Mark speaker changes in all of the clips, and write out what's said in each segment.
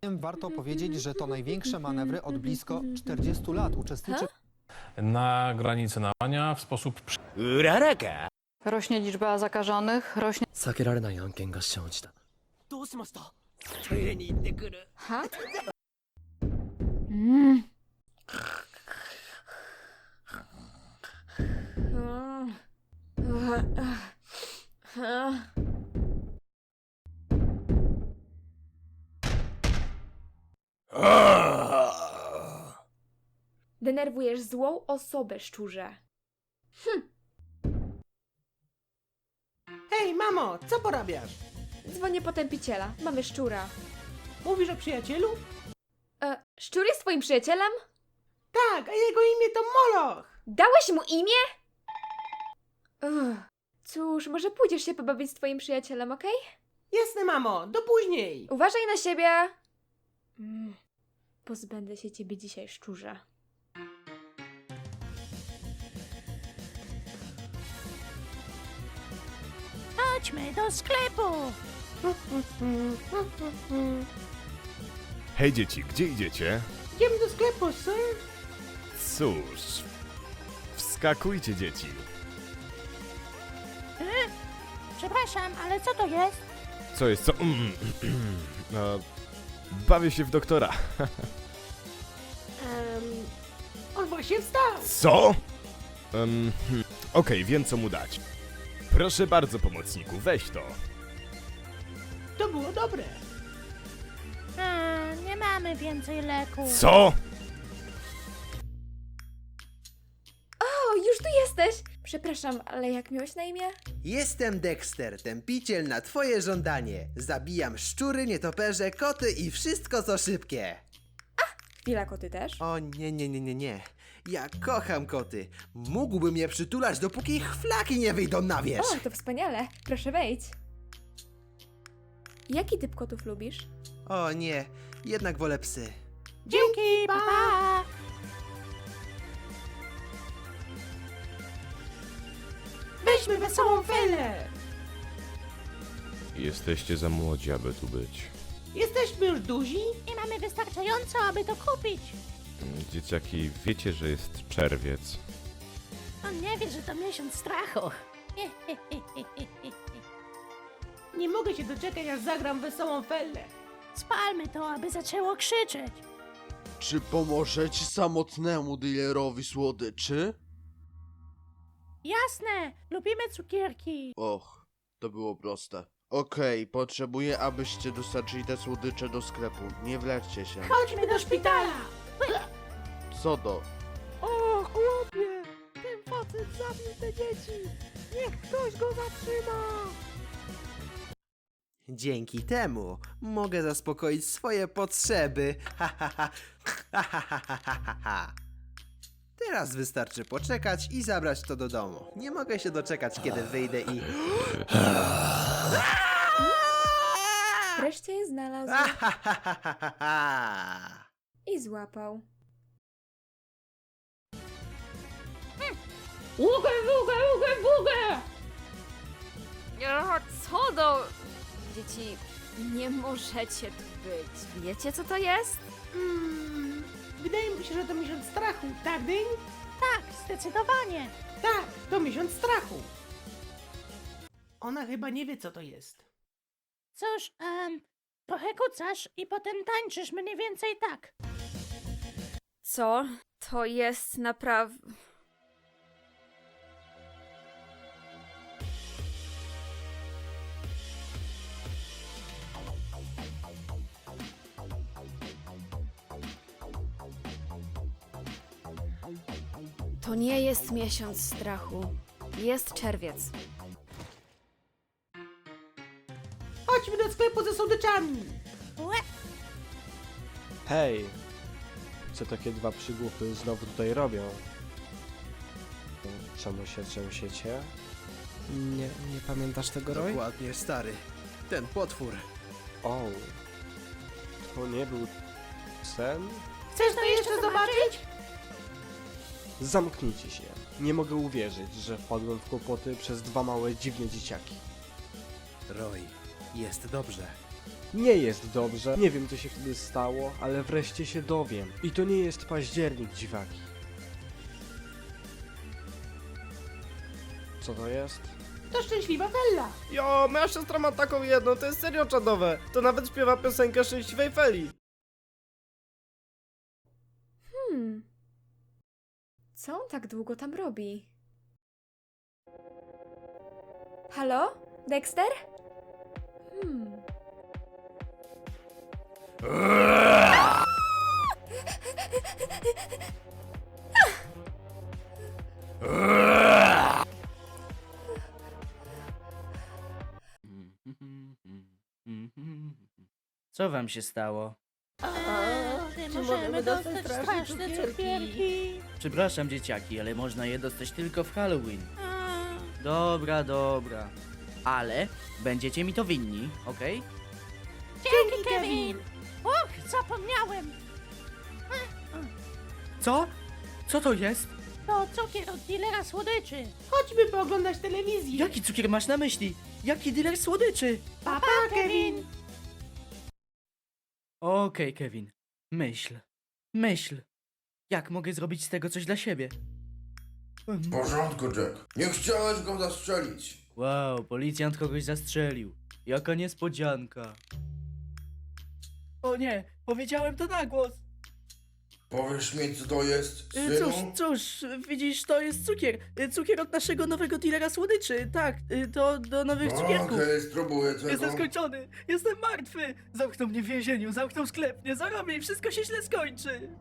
Speaker 1: Warto powiedzieć, że to największe manewry od blisko 40 lat. Uczestniczy
Speaker 2: Na granicy nawania w sposób
Speaker 3: うららか
Speaker 4: Rośnie liczba zakażonych, rośnie...
Speaker 5: 避けられない案件が生じた。
Speaker 3: どうしました？トイレに行ってくる。
Speaker 4: Ha?
Speaker 6: Denerwujesz złą osobę, szczurze.
Speaker 7: Hej, mamo, co porabiasz?
Speaker 6: Dzwonię po tępiciela. Mamy szczura.
Speaker 7: Mówisz o przyjacielu?
Speaker 6: Szczur jest twoim przyjacielem?
Speaker 7: Tak, a jego imię to Moloch.
Speaker 6: Dałeś mu imię? Cóż, może pójdziesz się pobawić z twoim przyjacielem, okej?
Speaker 7: Jasne, mamo, do później.
Speaker 6: Uważaj na siebie! Pozbędę się ciebie dzisiaj, szczurze.
Speaker 8: Chodźmy do sklepu!
Speaker 9: Hej dzieci, gdzie idziecie?
Speaker 7: Idziemy do sklepu, sir.
Speaker 9: Cóż, wskakujcie dzieci.
Speaker 8: Przepraszam, ale co to jest?
Speaker 9: Co jest, co? Bawię się w doktora.
Speaker 7: On właśnie wstał.
Speaker 9: Co? Okej, wiem co mu dać. Proszę bardzo, pomocniku, weź to.
Speaker 7: To było dobre.
Speaker 8: Nie mamy więcej leku.
Speaker 9: Co?
Speaker 6: O, już tu jesteś! Przepraszam, ale jak miałeś na imię?
Speaker 10: Jestem Dexter, tępiciel na twoje żądanie. Zabijam szczury, nietoperze, koty i wszystko co szybkie.
Speaker 6: Chwila, koty też?
Speaker 10: O nie. Ja kocham koty. Mógłbym je przytulać, dopóki ich flaki nie wyjdą na wierzch.
Speaker 6: O, to wspaniale! Proszę wejdź. Jaki typ kotów lubisz?
Speaker 10: O nie, jednak wolę psy.
Speaker 8: Dzięki, pa! Pa.
Speaker 7: Weźmy wesołą felę.
Speaker 9: Jesteście za młodzi, aby tu być.
Speaker 7: Jesteśmy już duzi?
Speaker 8: Nie mamy wystarczająco, aby to kupić.
Speaker 9: Dzieciaki, wiecie, że jest czerwiec.
Speaker 8: On nie wie, że to miesiąc strachu.
Speaker 7: Nie mogę się doczekać, aż zagram wesołą felę.
Speaker 8: Spalmy to, aby zaczęło krzyczeć.
Speaker 11: Czy pomożecie samotnemu dealerowi słodyczy?
Speaker 8: Jasne, lubimy cukierki.
Speaker 11: Och, to było proste. Okej, potrzebuję, abyście dostarczyli te słodycze do sklepu. Nie wleczcie się.
Speaker 7: Chodźmy do szpitala.
Speaker 11: Co do?
Speaker 7: O, chłopie! Ten facet zabił te dzieci. Niech ktoś go zatrzyma.
Speaker 10: Dzięki temu mogę zaspokoić swoje potrzeby. Teraz wystarczy poczekać i zabrać to do domu. Nie mogę się doczekać, kiedy wyjdę i...
Speaker 6: Wreszcie je znalazł i złapał. Ługę! Co do... Dzieci, nie możecie tu być. Wiecie, co to jest?
Speaker 7: Wydaje mi się, że to miesiąc strachu, tak, Dyń?
Speaker 8: Tak, zdecydowanie.
Speaker 7: Tak, to miesiąc strachu. Ona chyba nie wie, co to jest.
Speaker 8: Cóż, trochę kucasz i potem tańczysz mniej więcej tak.
Speaker 6: Co? To jest naprawdę... To nie jest miesiąc strachu. Jest czerwiec.
Speaker 7: Chodźmy do sklepu ze słodyczami.
Speaker 12: Hej! Co takie dwa przygłupy znowu tutaj robią? Czemu się trzęsiecie? Nie pamiętasz tego, Roy?
Speaker 10: Dokładnie, stary. Ten potwór.
Speaker 12: O, to nie był sen?
Speaker 7: Chcesz to jeszcze zobaczyć?
Speaker 12: Zamknijcie się. Nie mogę uwierzyć, że wpadłem w kłopoty przez dwa małe dziwne dzieciaki.
Speaker 10: Roy, jest dobrze.
Speaker 12: Nie jest dobrze, nie wiem co się wtedy stało, ale wreszcie się dowiem. I to nie jest październik, dziwaki. Co to jest?
Speaker 7: To szczęśliwa Fella.
Speaker 5: Jo, moja siostra ma taką jedną, to jest serio czadowe. To nawet śpiewa piosenkę Szczęśliwej Feli.
Speaker 6: Co on tak długo tam robi? Halo? Dexter?
Speaker 3: Co wam się stało?
Speaker 8: Czy możemy dostać straszne cukierki?
Speaker 3: Przepraszam, dzieciaki, ale można je dostać tylko w Halloween. Dobra, dobra. Ale będziecie mi to winni, okej?
Speaker 8: Dzięki, Kevin! Och, zapomniałem!
Speaker 3: Co? Co to jest?
Speaker 8: To cukier od dealera słodyczy.
Speaker 7: Chodźmy pooglądać telewizję.
Speaker 3: Jaki cukier masz na myśli? Jaki dealer słodyczy?
Speaker 7: Papa, Kevin.
Speaker 3: Okej, Kevin. Myśl. Myśl. Jak mogę zrobić z tego coś dla siebie?
Speaker 13: W porządku, Jack. Nie chciałeś go zastrzelić.
Speaker 3: Wow, policjant kogoś zastrzelił. Jaka niespodzianka. O nie, powiedziałem to na głos.
Speaker 13: Powiesz mi, co to jest, synu?
Speaker 3: Cóż, widzisz, to jest cukier. Cukier od naszego nowego dealera słodyczy. Tak, to do nowych cukierków.
Speaker 13: Okej, spróbuję tego.
Speaker 3: Jestem skończony, jestem martwy. Zamkną mnie w więzieniu, zamkną sklep, nie zarobię i wszystko się źle skończy.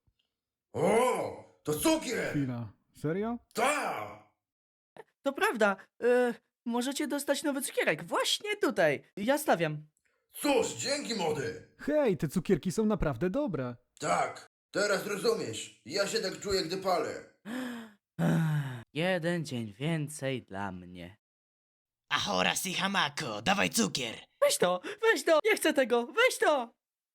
Speaker 13: O, to cukier!
Speaker 12: Chwila. Serio?
Speaker 13: Tak!
Speaker 3: To prawda, możecie dostać nowy cukierek właśnie tutaj. Ja stawiam.
Speaker 13: Cóż, dzięki, młody.
Speaker 12: Hej, te cukierki są naprawdę dobre.
Speaker 13: Tak, teraz rozumiesz. Ja się tak czuję, gdy palę.
Speaker 3: Jeden dzień więcej dla mnie.
Speaker 5: Ahora si hamako, dawaj cukier.
Speaker 3: Weź to, nie chcę tego, weź to!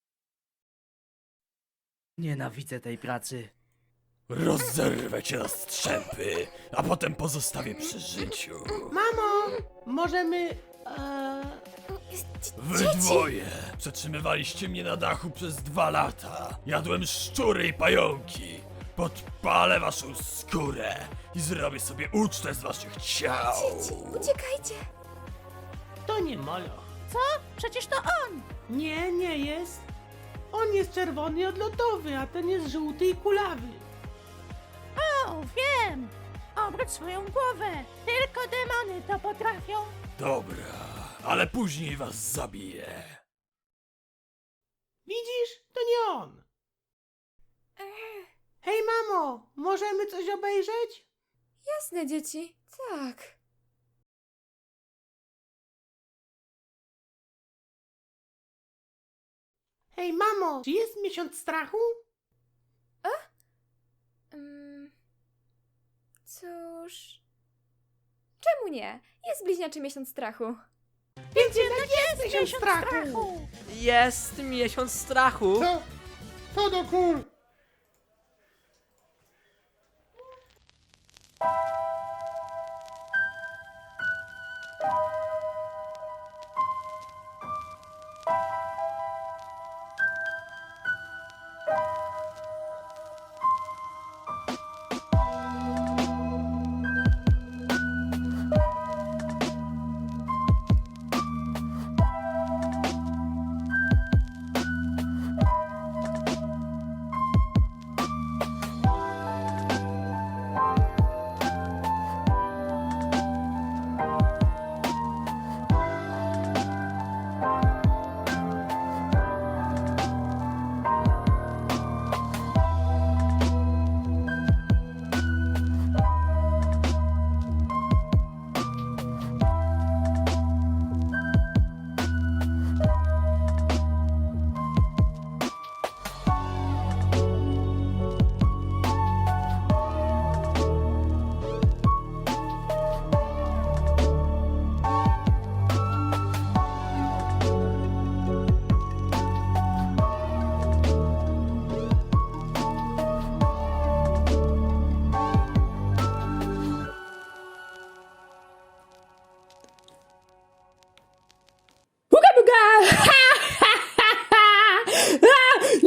Speaker 3: Nienawidzę tej pracy.
Speaker 5: Rozerwę cię na strzępy, a potem pozostawię przy życiu.
Speaker 7: Mamo, możemy...
Speaker 5: Wy dwoje przetrzymywaliście mnie na dachu przez 2 lata. Jadłem szczury i pająki. Podpalę waszą skórę i zrobię sobie ucztę z waszych ciał.
Speaker 6: Uciekajcie!
Speaker 7: To nie Molo.
Speaker 8: Co? Przecież to on!
Speaker 7: Nie, nie jest. On jest czerwony i odlotowy, a ten jest żółty i kulawy.
Speaker 8: O, wiem! Obróć swoją głowę! Tylko demony to potrafią!
Speaker 5: Dobra, ale później was zabiję.
Speaker 7: Widzisz? To nie on. Hej, mamo, możemy coś obejrzeć?
Speaker 6: Jasne, dzieci. Tak.
Speaker 7: Hej, mamo, czy jest miesiąc strachu?
Speaker 6: Cóż... Czemu nie? Jest bliźniaczy miesiąc strachu.
Speaker 7: Więc jednak jest miesiąc strachu.
Speaker 3: Jest miesiąc strachu.
Speaker 7: Co? To do kur...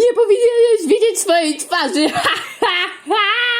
Speaker 8: Nie powinieneś widzieć swojej twarzy!